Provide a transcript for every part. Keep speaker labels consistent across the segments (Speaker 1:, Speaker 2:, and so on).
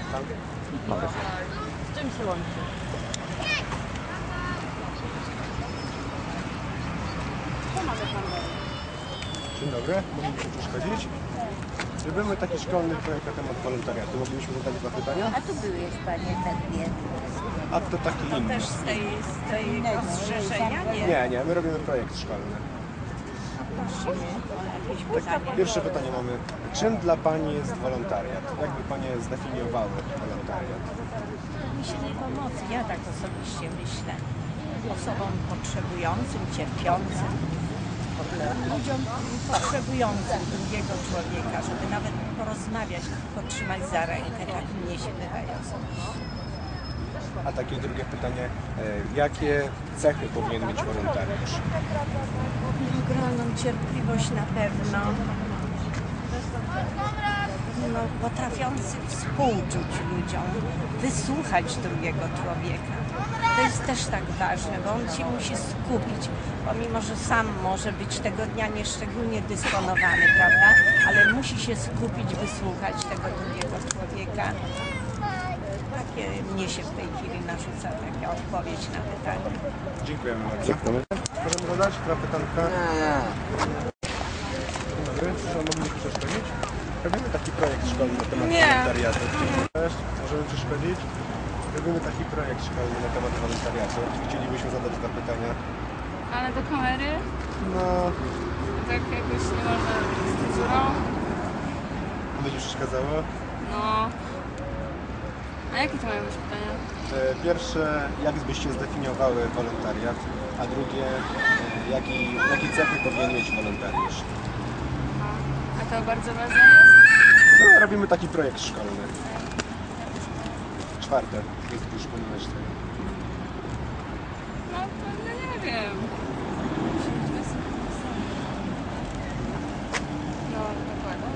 Speaker 1: Z czym się łączy? Co mamy tam dalej?
Speaker 2: Dzień dobry, moglibyśmy przeszkodzić? Robimy taki szkolny projekt na temat wolontariatu. Moglibyśmy zadać 2 pytania?
Speaker 3: A tu byłeś, panie, takie.
Speaker 2: A to taki inny.
Speaker 3: Też z tego zrzeszenia?
Speaker 2: Nie, my robimy projekt szkolny.
Speaker 3: Prosimy o jakieś
Speaker 2: Tak,
Speaker 3: pytanie.
Speaker 2: pierwsze pytanie mamy. Czym dla Pani jest wolontariat? Jakby Panie zdefiniowały wolontariat?
Speaker 3: Myślenie pomocy, ja tak osobiście myślę. Osobom potrzebującym, cierpiącym, ludziom potrzebującym drugiego człowieka, żeby nawet porozmawiać, potrzymać za rękę, tak mnie się wydaje osobiście.
Speaker 2: A takie drugie pytanie. Jakie cechy powinien mieć wolontariusz?
Speaker 3: Ogromną cierpliwość na pewno. No, potrafiący współczuć ludziom, wysłuchać drugiego człowieka. To jest też tak ważne, bo on się musi skupić, pomimo że sam może być tego dnia nieszczególnie dysponowany, prawda? Ale musi się skupić, wysłuchać tego drugiego człowieka. Takie mnie się w tej chwili narzuca taka odpowiedź na pytanie.
Speaker 2: Dziękujemy bardzo. Możemy zadać 2 pytanka? Dzień dobry, czy moglibyśmy przeszkodzić? Robimy taki projekt szkolny na temat wolontariatu. Cześć, możemy przeszkodzić? Robimy taki projekt szkolny na temat wolontariatu. Chcielibyśmy zadać 2 pytania.
Speaker 4: Ale do kamery?
Speaker 2: No,
Speaker 4: Tak jakoś nie można z cenzurą?
Speaker 2: będzie przeszkadzało.
Speaker 4: No. A jakie to mają być pytania?
Speaker 2: Pierwsze, jak byście zdefiniowały wolontariat? A drugie, jakie cechy powinien mieć wolontariusz?
Speaker 4: A to bardzo ważne jest?
Speaker 2: No, robimy taki projekt szkolny. 4. Jest już ponieważ
Speaker 4: No to no nie wiem. No dokładnie.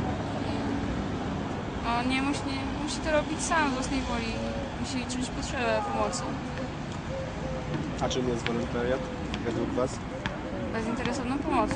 Speaker 4: On nie musi to robić sam z własnej woli. Musi czuć potrzebę pomocy.
Speaker 2: A czym jest wolontariat według Was?
Speaker 4: Bezinteresowną pomocą.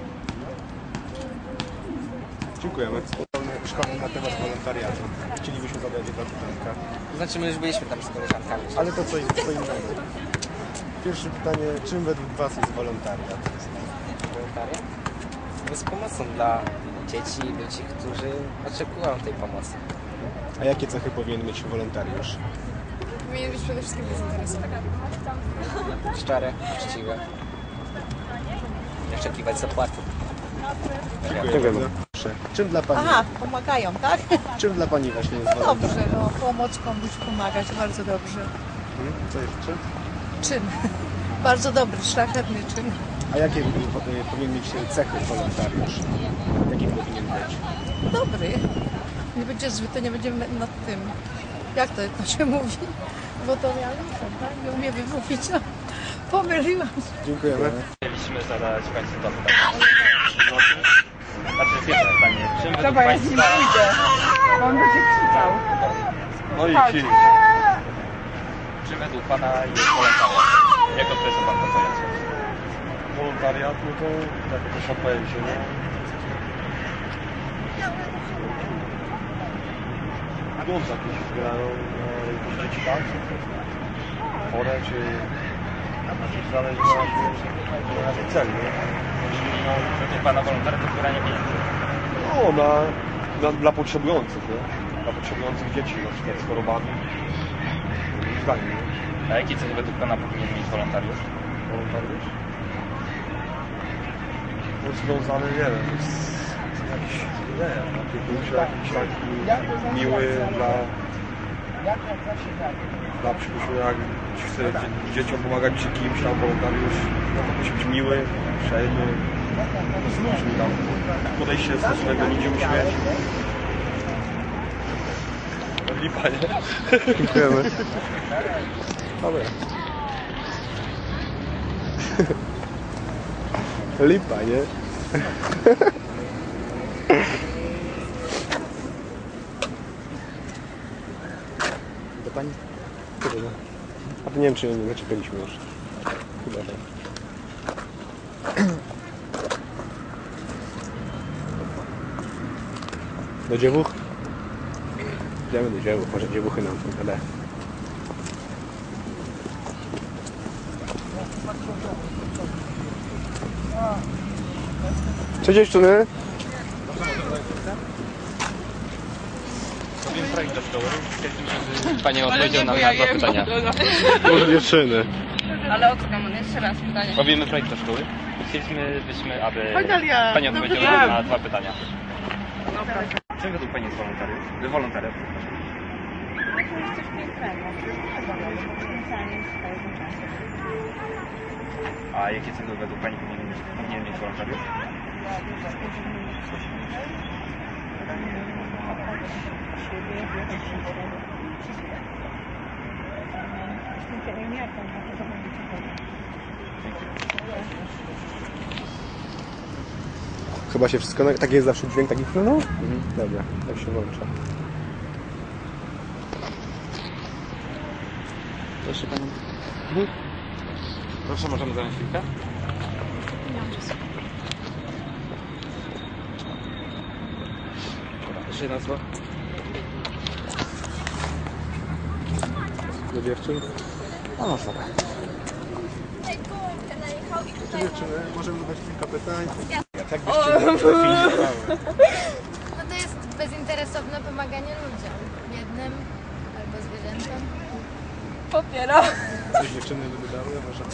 Speaker 2: Dziękujemy. Szkolny na temat wolontariatu. Chcielibyśmy zadać 2 pytanka.
Speaker 5: Znaczy my już byliśmy tam z koleżankami.
Speaker 2: Ale to co innego. Pierwsze pytanie, czym według Was jest wolontariat?
Speaker 5: Wolontariat jest pomocą dla dzieci i ludzi, którzy oczekują tej pomocy.
Speaker 2: A jakie cechy powinien mieć wolontariusz?
Speaker 4: Powinien być przede wszystkim bezinteresowany.
Speaker 5: Szczere, uczciwe. Nie oczekiwać zapłaty.
Speaker 2: Dziękuję bardzo. Czym dla Pani,
Speaker 6: Aha, pomagają, tak?
Speaker 2: czym dla Pani właśnie jest wolontariat?
Speaker 6: Dobrze, no pomóc komuś pomagać, bardzo dobrze.
Speaker 2: Co jeszcze?
Speaker 6: Czyn. Bardzo dobry, szlachetny czyn.
Speaker 2: A jakie powinien mieć cechy wolontariusz? Jakie powinien być?
Speaker 6: Dobry. Nie będzie zły, to nie będziemy nad tym. Jak to się mówi? Bo to ja tak? Nie umiem wymówić, no. Pomyliłam.
Speaker 2: Dziękujemy.
Speaker 7: Chcieliśmy zadać Państwu to pytanie. Znaczy pierwsze pytanie. Czym według Państwa...
Speaker 1: Bo on będzie krzyczał.
Speaker 7: No i ci. Czym według Pana jest wolontariat? Jak określa Pan to pojęcie?
Speaker 8: Wolontariat, no to tak określam pojęcie, nie? Pieniądze jakieś zbierają na jakieś dzieci, tak? Chore, czy zależy na jaki cel, nie?
Speaker 7: Według Pana wolontariat to zbieranie pieniędzy.
Speaker 8: No, dla potrzebujących, nie? Dla potrzebujących dzieci, na przykład z chorobami. Zdaniem, nie?
Speaker 7: A jakie cechy według Pana powinien mieć wolontariusz?
Speaker 8: Wolontariusz? No związany, nie wiem, z jakimś, nie wiem, opiekuńczy, jakiś taki miły dla przypuśćmy, jak chce dzieciom pomagać czy kimś tam wolontariusz, no to musi być miły, uprzejmy, no z ludźmi tam, podejście stosunek do ludzi musi mieć. Lipa, nie?
Speaker 2: Dziękujemy. Dobra. Lipa, nie? Do Pani? Chyba. A to nie wiem, czy nie zaczepialiśmy już. Chyba tak. Do dziewuch? Idziemy do dzieł, może dziewuchy nam tu tyle. Cześć dziewczyny!
Speaker 7: Powiem projekt do szkoły. Pani odpowiedział nam na 2 pytania.
Speaker 2: Może dziewczyny.
Speaker 1: Ale odkam, jeszcze raz pytanie.
Speaker 7: Powiemy projekt do szkoły. Chcielibyśmy, aby Pani odpowiedziała na 2 pytania. Czym według Pani jest wolontariusz? Wolontariat. A jakie cele według Pani powinien mieć wolontariusz?
Speaker 2: Chyba się wszystko... Tak jest zawsze dźwięk taki... No? Dobra, tak się włącza.
Speaker 7: Proszę Panią. Proszę, możemy zająć chwilkę?
Speaker 4: Nie mam czasu.
Speaker 7: Jeszcze jedna słowa.
Speaker 2: Do dziewczyn.
Speaker 7: No można.
Speaker 2: Cześć dziewczyny, możemy zadać kilka pytań. Jak byście
Speaker 9: No to jest bezinteresowne pomaganie ludziom. Biednym albo zwierzętom.
Speaker 1: Popieram.
Speaker 2: Coś dziewczyny by wydały, może?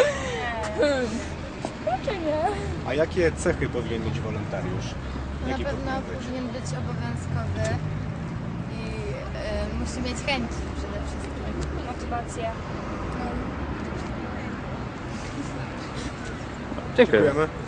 Speaker 9: Raczej nie.
Speaker 2: A jakie cechy powinien mieć wolontariusz?
Speaker 9: Na
Speaker 2: Jakie
Speaker 9: pewno
Speaker 2: powinien być?
Speaker 9: powinien być obowiązkowy i musi mieć chęci przede wszystkim.
Speaker 4: Motywacja.
Speaker 2: Dziękujemy.